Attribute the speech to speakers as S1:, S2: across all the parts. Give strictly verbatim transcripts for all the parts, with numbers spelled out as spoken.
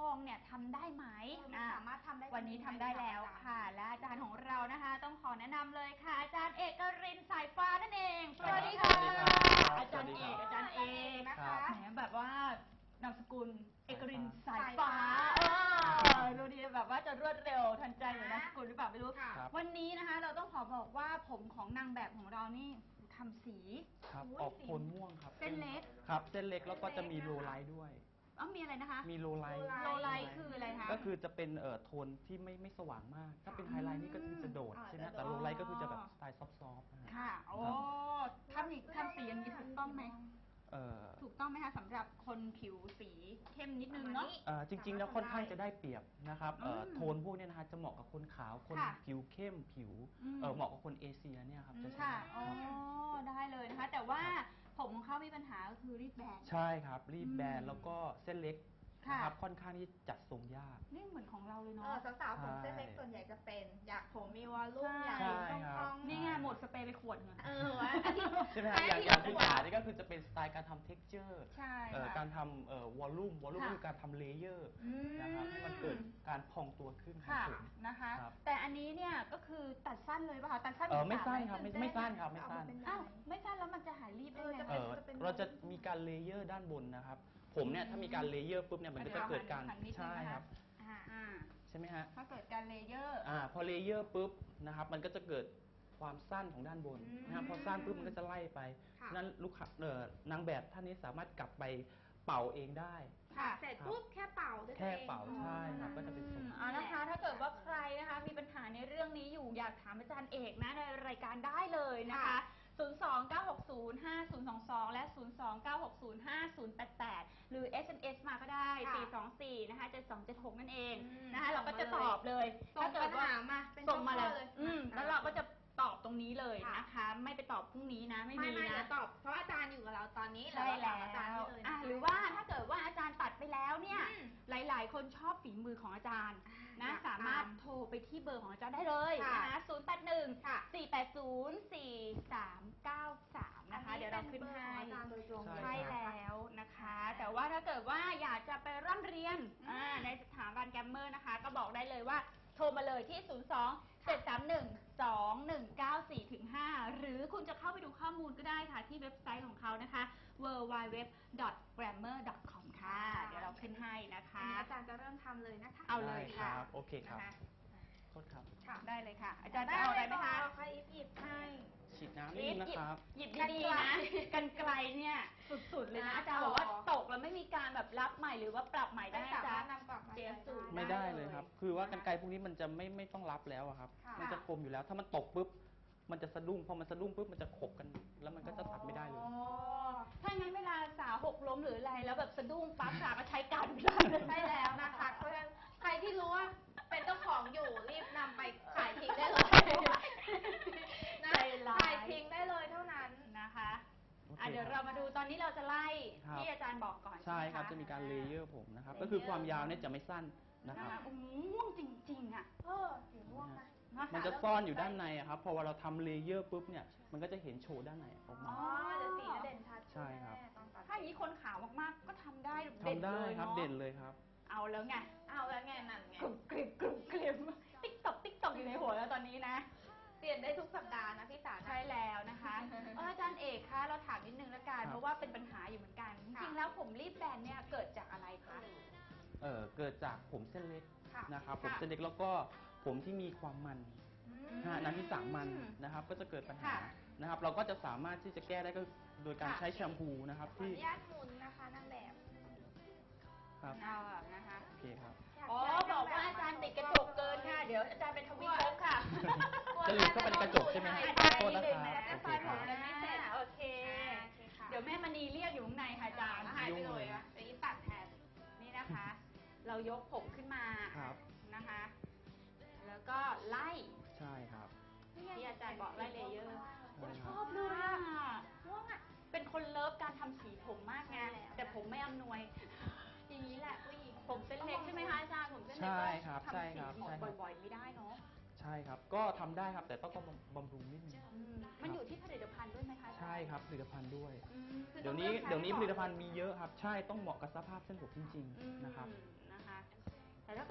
S1: องเนี่ยทำได้ไหม
S2: สามารถทำได้
S1: วันนี้ทำได้แล้วค่ะและอาจารย์ของเรานะคะต้องขอแนะนำเลยค่ะอาจารย์เอกรินทร์สายฟ้านั่นเองสวัสดีค่ะอาจารย์เอกอาจารย์เอกนะคะแหมแบบว่านามสกุลเอกรินทร์สายฟ้าดูดีแบบว่าจะรวดเร็วทันใจเหมือนนามสกุลหรือเปล่าไม่รู้วันนี้นะคะเราต้องขอบอกว่าผมของนางแบบของเรานี่ทำสี
S3: ครับออกโทนม่วงครับ
S1: เส้นเล็ก
S3: ครับเส้นเล็กแล้วก็จะมีโลไลท์ด้วย
S1: อ๋อมีอะไรนะคะ
S3: มีโลไลท์
S1: โลไลท์คืออะไรคะ
S3: ก็คือจะเป็นเอ่อโทนที่ไม่ไม่สว่างมากถ้าเป็นไฮไลท์นี่ก็คือจะโดดใช่ไหมแต่โลไลท์ก็คือจะแบบสไตล์ซอฟต์ๆ
S1: ค่ะโอ้ทำอีกทำสีอย่างนี้ถูกต้องไหมถูกต้องไหมคะสำหรับคนผิวสีเข้มนิดนึงเนาะ
S3: จริงๆแล้วค่อนข้างจะได้เปรียบนะครับโทนพวกนี้นะคะจะเหมาะกับคนขาวคนผิวเข้มผิวเหมาะกับคนเอเชียเนี่ยครับจะใช่
S1: อ๋อได้เลยนะคะแต่ว่าผมของเขามีปัญหาก็คือรีบแบน
S3: ใช่ครับรีบแบนแล้วก็เส้นเล็กนะครับค่อนข้างที่จัดทรงยาก
S1: นี่เหมือนของเราเลยเนาะ
S2: สาวๆผมเส้นเล็กส่วนใหญ่จะเป็นอยากผมมีวอลลุ่มอยากต้องต้อง
S1: นี่ไงหมดสเปรย์ไปขวดเงิน
S3: ใช่ไหมอย่างอย่างที่ขานี่ก็คือจะเป็นสไตล์การทำเท็กเจอร์การทำวอลลุ่มวอลลุ่มคือการทำเลเยอร์นะครับให้มันเกิดการพองตัวขึ้นของผม
S1: นะคะแต่อันนี้เนี่ยก็คือตัดสั้นเลยป่ะคะตัดสั้น
S3: ไม่สั้นครับไม่ไม่สั้นครับไม่สั้น
S1: อ้าวไม่สั้นแล้วมันจะหายรีบได้ไง
S3: เราจะมีการเลเยอร์ด้านบนนะครับผมเนี่ยถ้ามีการเลเยอร์ปุ๊บเนี่ยมันก็จะเกิดการใช่ครับใช่ไหมฮะ
S1: ถ้าเกิดการเลเยอร์
S3: อ่าพอเลเยอร์ปุ๊บนะครับมันก็จะเกิดความสั้นของด้านบนนะครับพอสั้นปุ๊บมันก็จะไล่ไปนั้นลูกค้าเอ่อนางแบบท่านนี้สามารถกลับไปเป่าเองได้
S2: ค่ะเสร็จปุ๊บแค่เป่า
S3: แค่เป่าใช่ครับก็จะเป็นทรง
S1: อ่านะคะถ้าเกิดว่าใครนะคะมีปัญหาในเรื่องนี้อยู่อยากถามอาจารย์เอกนะในรายการได้เลยนะคะศูนย์ สอง เก้า หก ศูนย์ ห้า ศูนย์ สอง สอง และ ศูนย์ สอง เก้า หก ศูนย์ ห้า ศูนย์ แปด แปด หรือ เอส เอ็ม เอส มาก็ได้ สี่ สอง สี่ นะคะ เจ็ด สอง เจ็ด หก นั่นเองนะคะเราก็จะตอบเลย
S2: ถ้าเกิดว่า
S1: ส่งมาเลยแล้วเราก็จะตอบตรงนี้เลยนะคะไม่ไปตอบพรุ่งนี้นะไม่มีนะ
S2: ตอบเพราะอาจารย์อยู่กับเราตอนนี้
S1: ใช่แล้วหรือว่าถ้าเกิดว่าอาจารย์ตัดไปแล้วเนี่ยหลายๆคนชอบฝีมือของอาจารย์นะสามารถโทรไปที่เบอร์ของอาจารย์ได้เลยนะคะศูนย์ แปด หนึ่ง สี่ แปด ศูนย์ สี่ สาม เก้า สามนะคะเดี๋ยวเราขึ้นให้ใช่แล้วนะคะแต่ว่าถ้าเกิดว่าอยากจะไปร่ำเรียนในสถาบันแกรมเมอร์นะคะก็บอกได้เลยว่าโทรมาเลยที่ ศูนย์ สอง เจ็ด สาม หนึ่ง สอง หนึ่ง เก้า สี่ ห้า หรือคุณจะเข้าไปดูข้อมูลก็ได้ค่ะที่เว็บไซต์ของเขานะคะ ดับเบิลยู ดับเบิลยู ดับเบิลยู ดอท แกรมเมอร์ ดอท คอม ค่ะเดี๋ยวเราขึ้นให้นะคะ
S2: อาจารย์จะเริ่มทำเลยนะคะ
S1: เอาเลยค่ะ
S3: โอเคครับโทษครับ
S1: ได้เลยค่ะอาจารย์จะเอาอะไรไหมคะ
S2: หยิบให้
S3: ฉีดน้ำนิดนะครับ
S1: หยิบดีๆนะกันไกลเนี่ยสุดๆเลยนะอาจารย์บอกว่าตกแล้วไม่มีการแบบรับใหม่หรือว่าปรับใหม่ได้จ้ะ
S2: เสียสูตร
S3: ไม่ได้เลยครับคือว่ากันไกลพวกนี้มันจะไม่ไม่ต้องรับแล้วครับมันจะคมอยู่แล้วถ้ามันตกปุ๊บมันจะสะดุ้งพอมันสะดุ้งปุ๊บมันจะขบกันแล้วมันก็จะตัดไม่ได้เลย
S1: ถ้างั้นเวลาสาวหกล้มหรืออะไรแล้วแบบสะดุ้งปั๊บสาวก็ใช้การ
S2: ใช่แล้วนะคะเพราะฉะนั้นใครที่รู้ว่าเป็นเจ้าของอยู่รีบนำไปขายทิ้งได้เลยนะขายทิ้งได้เลยเท่านั้น
S1: นะคะเดี๋ยวเรามาดูตอนนี้เราจะไล่ที่อาจารย์บอกก่อน
S3: ใช่ครับจะมีการเลเยอร์ผมนะครับก็คือความยาวเนี่ยจะไม่สั้นนะครับ
S1: ม่วงจริงๆอ่ะ
S2: เออสีม่วงนะ
S3: มันจะซ่อนอยู่ด้านในครับพอเราทำเลเยอร์ปุ๊บเนี่ยมันก็จะเห็นโชว์ด้านในออกมา
S2: อ๋อเดี๋ยวสีเด่นชัด
S3: ใช่ครับ
S1: ถ้าอย่างนี้คนขาวมากๆก็ทำได้
S3: ทำได้ครับเด่นเลยครับ
S1: เอาแล้วไง
S2: เอาแล้วไงนั่นไง
S1: กรุบกริบกรุบกริบติ๊กตอกติ๊กตอกอยู่ในหัวแล้วตอนนี้นะ
S2: เปลี่ยนได้ทุกสัปดาห์นะพี่สา
S1: ใช่แล้วนะคะอาจารย์เอกคะเราถามนิดนึงละกันเพราะว่าเป็นปัญหาอยู่เหมือนกันจริงๆแล้วผมรีบแบนเนี่ยเกิดจากอะไรคะ
S3: เออเกิดจากผมเส้นเล็กนะครับผมเส้นเล็กแล้วก็ผมที่มีความมันน้ำที่สางมันนะครับก็จะเกิดปัญหานะครับเราก็จะสามารถที่จะแก้ได้ก็โดยการใช้แชมพูนะครับ
S2: ที่ขออนุญาตหมุนนะคะนางแบบ
S3: ครับ
S1: เอานะคะ
S3: โอเคครับ
S1: อ๋อบอกว่าอาจารย์ติดกระจกเกินค่ะเดี๋ยวอาจารย์เป็นทวีภพค่ะ
S3: จะหลุดเข้าไปในกระจกใช่ไหม
S1: โทษนะคะโอเคครับโอเคเดี๋ยวแม่มณีเรียกอยู่ข้างในค่ะอาจารย์
S2: หายไปเลยอ่ะจะยิ่งตัดแทน
S1: นี่นะคะเรายกผมขึ้นมานะคะแล้วก็ไล่
S3: ใช่ครับ
S1: ที่อาจารย์บอกไล่เลเยอร์ชอบเลยอ่ะม่วงอ่ะเป็นคนเลิฟการทำสีผมมากไงแต่ผมไม่อำนวย
S2: อย่างนี้แหละผู้หญิง
S1: ผมเส้นเล็กใช่ไหมคะอาจารย์ผมเส้นเล็กก็ทำสีผมบ่อยๆไม่ได้เนาะ
S3: ใช่ครับก็ทำได้ครับแต่ต้องบำรุงนิดนึง
S1: มันอยู่ที่ผลิตภัณฑ์ด้วยไหมคะ
S3: ใช่ครับผลิตภัณฑ์ด้วยเดี๋ยวนี้เดี๋ยวนี้ผลิตภัณฑ์มีเยอะครับใช่ต้องเหมาะกับสภาพเส้นผมจริงๆนะครับ
S1: นะคะ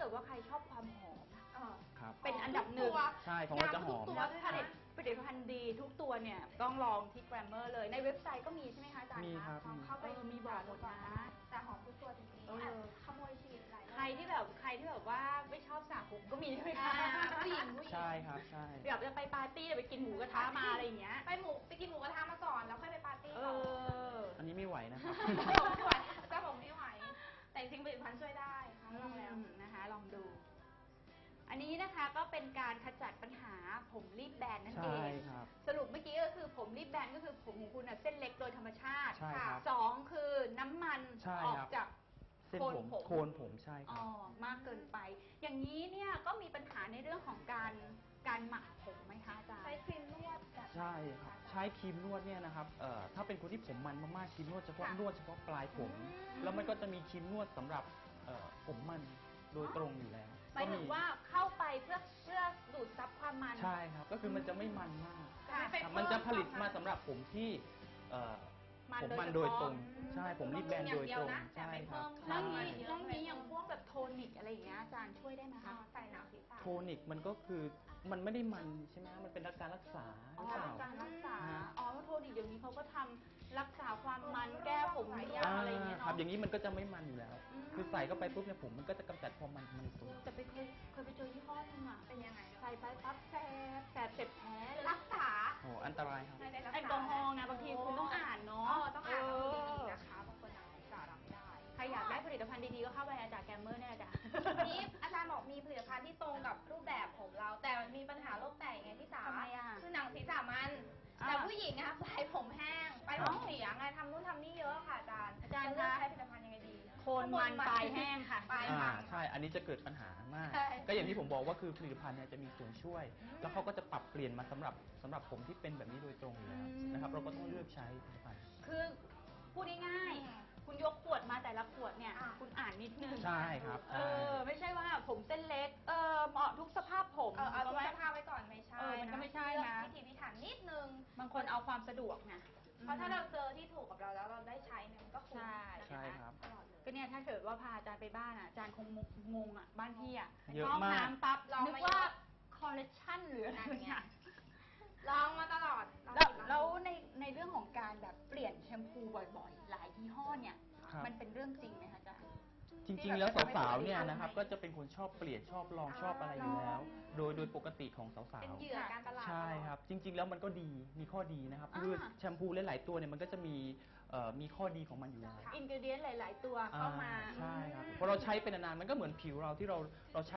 S1: ดว่าใครชอบความหอม
S3: ครับ
S1: เป็นอันดับหนึ่ง
S3: ใช่ของเราจะหอม
S1: แล้วผลิตผลิตภัณฑ์ดีทุกตัวเนี่ยต้องลองที่ Glamour เลยในเว็บไซต์ก็มีใช่ไหมคะอาจารย์
S3: มีครับ
S1: ลองเข้าไป
S2: เออ
S1: มีบอกหมดนะ
S2: แต่หอมทุกตัวจริง
S1: เออ
S2: ๆขโมยฉีดหลาย
S1: ใครที่แบบใครที่แบบว่าไม่ชอบสระผมก็มีใช่ไหม
S2: อ่า
S1: คะ
S2: ผู้หญิงผู้หญิง
S3: ใช่ครับใช่
S1: แบบจะไปปาร์ตี้ไปกินหมูกระทะมาอะไรอย่างเงี้ย
S2: ไปหมูไปกินหมูกระทะมาก่อนแล้วค่อยไปปาร์ตี้
S1: เอ
S2: ต่อ
S1: อ
S3: อันนี้ไม่ไหวนะครับ
S2: ผมไม่ไหวแต่ผมไม่ไหว แต่จริงๆผลิตภัณฑ์ช่วยได้ค่ะลองแล้ว
S1: อืมนะคะลองดู อันนี้นะคะก็เป็นการขจัดปัญหาผมรีบแบนนั่นเอ
S3: ใช่
S1: ง
S3: ครับ
S1: สรุปเมื่อกี้ก็คือผมรีบแบนก็คือผมของคุณน่ะเส้นเล็กโดยธรรมชาติ
S3: ใช่ครับ
S1: สองคือน้ำมัน
S3: ใช่
S1: ออก
S3: ครับ
S1: จาก
S3: เส้นผม
S1: โคนผม
S3: โคนผมใช่ค
S1: อ๋
S3: รั
S1: อบ มากเกินไป อย่างนี้เนี่ยก็มีปัญหาในเรื่องของการการหมักผมไหมคะอาจารย์
S2: ใช้ครีมนวดแบบ
S3: ใช่ครับใช้ครีมนวดเนี่ยนะครับเอ่อถ้าเป็นคนที่ผมมันมากๆครีมนวดเฉพาะ
S2: ค่ะ
S3: นวดเฉพาะปลายผม
S2: อืม
S3: แล้วมันก็จะมีครีมนวดสำหรับเอ่อผมมันโดยตรงอยู่แล้ว
S1: หมายถึงว่าเข้าไปเพื่อเพื่อดูดซับความมัน
S3: ใช่ครับก็คือมันจะไม่มันมาก
S2: จะไม่ไป
S3: ครับ
S2: เพิ่
S3: มันจะผลิต
S2: คว
S3: มาสำหรับผมที่เอ่อ
S1: มัน
S3: ผม
S1: โดย
S3: มันโดยตรง
S1: เฉพาะ
S3: ใช่ผมรีบแบนโดยตรง
S2: แต่
S3: ใช่
S2: ไม่
S3: ค
S2: เพิ่
S3: รับ
S2: ม
S1: แล้
S3: ใช่
S1: วนี้แล้วนี้อย่างพวกแบบโทนิกอะไรอย่างเงี้ยอาจารย์ช่วยได้ไหม
S2: อ่า
S1: คะ
S2: ใส่หนังศีรษะ
S3: โทนิกมันก็คือมันไม่ได้มันใช่ไหมมันเป็นการรักษาห
S1: อ๋
S3: รือ อเปล่า
S1: การรักษา
S3: ฮะ
S1: อ๋อโทนิกเดี๋ยวนี้เขาก็ทำรักษาความมันแก้ผม
S2: หลายอ
S1: ร่ว
S2: ย่าง
S1: งอะไรอย่างเงี้ย
S3: ครับ
S1: เนาะ
S3: อย่างนี้มันก็จะไม่มันอยู่แล้ว
S1: อืม
S3: คือใส่เข้าไปปุ๊บเนี่ยผมมันก็จะกำจัดความมันมันตัว
S1: แต่ไปเคยเคยไปเจอยี่ห้อนึงอ่ะ
S2: เป็นยังไง
S1: ใส่ไปปั๊บแสบแสบเจ็บแผลเลย
S2: รักษา
S3: โอ้อันตรายครับ
S2: ไม่ได้รักษา
S1: แอลกอฮอล์ไงบางทีคุณต้องอ่านเนาะ
S2: อ๋อต้องอ่านดูดีๆ
S1: เออ
S2: นะคะบางคนอ่านภาษาเราไม่ได้
S1: ใครอยากได้ผลิตภัณฑ์ดีๆก็เข้าไปอาจารย์แกมเมอร์เนี่ยจ้ะ
S2: วันนี้อาจารย์บอกมีผลิตภัณฑ์ที่ตรงกับรูปแบบผมเรา แต่มันมีปัญหาโรคแตกไงพี่สา
S1: ทำไมอ่ะ
S2: คือหนังศีรษะมัน
S1: อ่า
S2: แต่ผู้หญิงนะคะปลายผมแห้งปลายผมเสียไงทำนู่นทำนี่เยอะค่ะอาจารย์
S1: อาจารย์
S2: จะเลือก
S1: คะ
S2: ใช้ผลิตภัณฑ์ยังไงดี
S1: โคนมันปลายแห้งค่ะ
S2: ปลาย
S3: อ่า
S2: มัน
S3: ใช่ อันนี้จะเกิดปัญหามาก
S2: ใช่
S3: ก็อย่างที่ผมบอกว่าคือผลิตภัณฑ์เนี่ยจะมีส่วนช่วย
S2: อืม
S3: แล้วเขาก็จะปรับเปลี่ยนมาสำหรับสำหรับผมที่เป็นแบบนี้โดยตรงอยู่แล้ว
S1: อืม
S3: นะครับ เราก็ต้องเลือกใช้ผลิตภัณฑ์
S1: คือพูดง่ายๆคุณยกขวดมาแต่ละขวดเนี่ย
S2: อ่า
S1: คุณอ่านนิดนึง
S3: ใช่ครับ
S1: เออ ไม่ใช่ว่าผมเส้นเล็ก เออเหมาะทุกสภาพผม
S2: เออเอาทุก
S1: ไหม
S2: สภาพไว้ก่อนไม่ใช่
S1: เออมันก็ไม่ใช่นะ
S2: เลือกพิถีพิถันนิดนึง
S1: บางคนเอาความสะดวกไง
S2: เพราะถ้าเราเจอที่ถูกกับเราแล้วเราได้ใช้เนี่ยมันก็คุ้ม
S1: ใช่
S2: นะะ
S3: ใช่ครับ
S2: ตลอดเลย
S1: ก็เนี่ยถ้าเกิดว่าพาอาจารย์ไปบ้านอ่ะอาจารย์คงงงอ่ะบ้านพี่อ่ะ
S3: เยอะ
S1: ห้อง
S3: มาก
S1: น้ำปั๊บ
S2: ลอง
S1: นึก
S2: มา
S1: ว่า
S2: เยอะ
S1: คอลเลคชันหรืออะไร
S2: นั่นไง
S1: เนี่ย
S2: ลองมาตลอดลอง
S1: แล้ว
S2: ผิดอง
S1: แล้ว
S2: ถูก
S1: ในในเรื่องของการแบบเปลี่ยนแชมพูบ่อยๆ หลายยี่ห้อเนี่ย
S3: ครับ
S1: มันเป็นเรื่องจริงไหมคะอาจารย์
S3: จริงๆ แล้วสาวๆ เนี่ยนะครับ ก็จะเป็นคนชอบเปลี่ยนชอบลองชอบอะไรอยู่แล้ว โดยโดยปกติของสาว
S2: เป็นเห
S3: ๆ
S2: ยื่อการตลาด
S3: ใช่ครับ จริง ๆ แล้วมันก็ดี มีข้อดีนะครับ คือ
S1: อ่า
S3: แชมพูหลายๆ ตัวเนี่ยมันก็จะมีเอ่อมีข้อดีของมันอยู่แล้ว
S1: อินกิเดียนหลาย ๆ ตัวเข้ามา
S3: อ่ใช่ครับพอเราใช้เป็นนานๆ มันก็เหมือนผิวเราที่เราเราใช้